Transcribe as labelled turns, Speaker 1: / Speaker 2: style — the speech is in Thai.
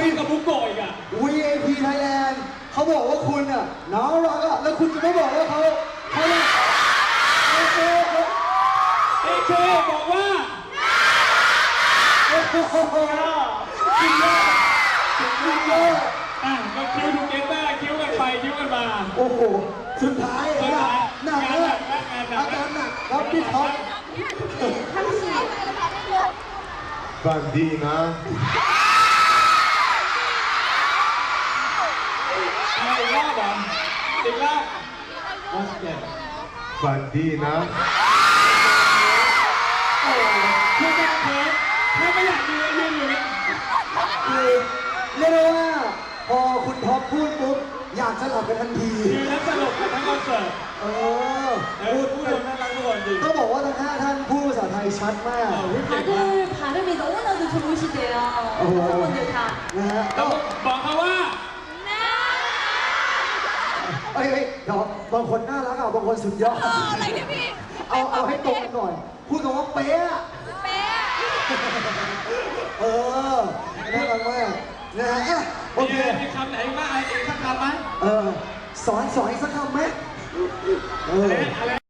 Speaker 1: กับบุกโกะอีกอ่ะ
Speaker 2: VIP Thailand เขาบอกว่าคุณอ่ะน้องรักอ่ะแล้วคุณจะไม่บอกว่าเขาเนี่ยโอเค
Speaker 1: เอเคบอกว่า
Speaker 2: โอ้โหคิวเยอะคิวเยอะ
Speaker 1: ก็คิวทูเกเตอร์คิวกันไปคิวกันมา
Speaker 2: โอ้โหสุดท้ายหนักเลยอาการหนักครับพี่ท็อป
Speaker 3: ฝันดีนะ
Speaker 1: อีกรอบเหรออีกรอบโอเค
Speaker 3: ฝันดีนะ
Speaker 1: โอ้คุณจะเคิร์ฟถ้าไม่อยากยืนอยู่
Speaker 2: คือเรียกได้ว่าพอคุณท็อปพูดปุ๊บอยากจะหลับกันทันที
Speaker 1: ยืนแล้วสลบกันทั้งคอนเสิร์ต พูดน่ารักทุกคนจริง
Speaker 2: ต้องบอกว่าทั้ง5ท่านพูดภาษาไทยชัดมาก
Speaker 4: 다들 발음이 너무나도 좋으시대요. 여성분들 다.
Speaker 2: นะฮะ
Speaker 1: ต้องบอกเขาว่า
Speaker 2: เอ้ยเดี๋ยวบางคนน่ารักอ่ะบางคนสุดยอด
Speaker 4: อะไรเนี่ยพี่
Speaker 2: เอาให้ตรงกันหน่อย พูดคำว่าเป๊ะอะ
Speaker 4: เป๊ะ
Speaker 2: เออน่ารักมากนะฮะอ่ะโอเค
Speaker 1: มีคำไหนบ้างอีกสักคำไหม
Speaker 2: สอนอีกสักคำไหม
Speaker 1: อะไร